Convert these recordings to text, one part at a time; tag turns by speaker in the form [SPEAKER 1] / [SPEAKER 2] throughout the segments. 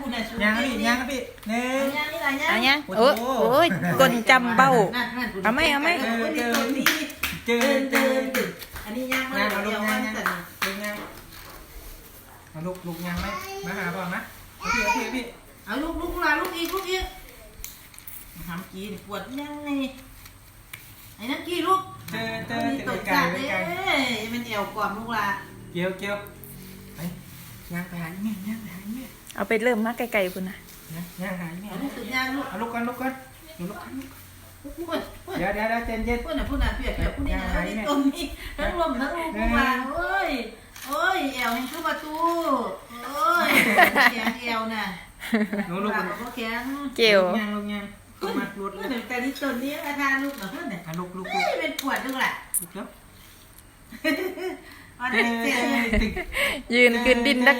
[SPEAKER 1] ยังพี่ยังพี่หนึ่ง
[SPEAKER 2] เอายังโอ้ยกลจำเบ้าเอาไหม
[SPEAKER 1] เจอ
[SPEAKER 3] อันนี้ย่างมาเดียวมันสั่น
[SPEAKER 1] เอาลูกยังไหมมาหาพ่อนะพี่
[SPEAKER 3] เอาลูกอีกทำกี้ปวดยังไงไอ้นักกี้ลูก
[SPEAKER 1] เจอ
[SPEAKER 3] ตกจัดเลยมันแอวกล่อมลูกละ
[SPEAKER 1] เกี่ยวไปยังไปหาแม่ยังไปหาแม่
[SPEAKER 2] เอาไปเริ่มมาไกลๆคุณนะ
[SPEAKER 1] ยังหาแม่
[SPEAKER 3] เอาลูกสุดย่างลูก
[SPEAKER 1] เอาลูกกันเดี๋ยวเย็น
[SPEAKER 3] พูดน่ะเปียกพูดนี่นะนี่ตรงนี้ทั้งลมทั้งลูกมาโอ้ยแอวยังคือประตูโอ้ยแข็งแอวน่ะ
[SPEAKER 1] ลูก
[SPEAKER 3] ก็แข็ง
[SPEAKER 2] เกี่ยว
[SPEAKER 1] ลูกยังมัดรถ
[SPEAKER 3] เพื่อนแต่นี่ตัวนี้อาการลูกเหรอเพื่อนเนี่ย
[SPEAKER 1] ลูก
[SPEAKER 3] เป็นปวดลูกแหละ
[SPEAKER 1] แล้ว
[SPEAKER 3] อันนี้เสีย
[SPEAKER 2] ยืนขึ้นดินดัก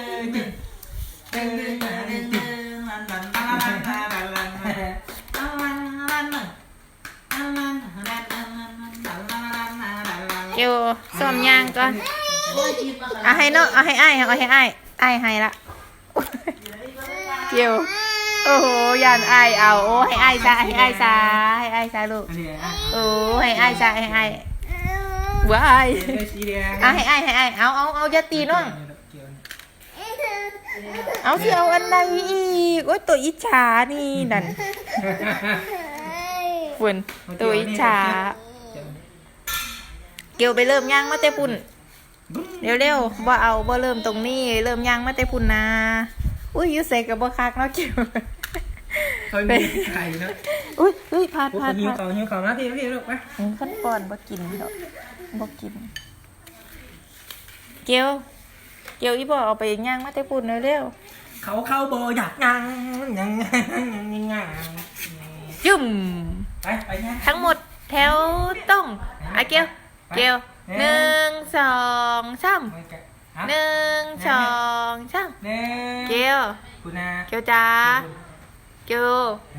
[SPEAKER 2] เกี่ยวซ้อมยางก่อนเอาให้เนาะเอาให้อ้ายให้ละเกี่ยวโอ้โหยานอ้ายเอาโอ้ให้อ้ายซาลูกโอ้ให้อ้ายซาว้ายเอาให้อ้ายเอาอย่าตีน้องเอาสิเอาอันใดอีกโอ้ยตัวอิจฉานี่นั่นฝุ่นตัวอิจฉาเกี่ยวไปเริ่มย่างมาแต่ปุ่นเร็วบ่เอาบ่เริ่มตรงนี้เริ่มย่างมาแต่ปุ่นนะอุ้ยยูใส่กับบ่คักเนาะเกี่ยว
[SPEAKER 1] เขามีไข่นะ
[SPEAKER 2] อุ้ยพาด
[SPEAKER 1] หิวของนะพี่ลูกไป
[SPEAKER 2] ขั้นก่อนบ่กินดอกบ่กินเกี่ยวอีบ่เอาไปย่างมาแต่ปุ่นเร็ว
[SPEAKER 1] เขาโบอยากยัง
[SPEAKER 2] จุ่ม
[SPEAKER 1] ไปยัง
[SPEAKER 2] ทั้งหมดแถวต้องเกี่ยว1 2 3 1 2 3 เกี่ยวจ้าเกี่ยว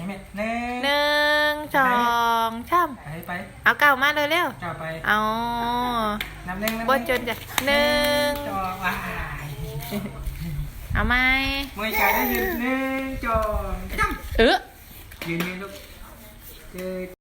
[SPEAKER 2] 1 2 3เอาเก่ามาเร็วเอาบนจนจ้ะเอาไหม
[SPEAKER 1] ไม่ไกลได้ยืน1 2 3ยืนลูก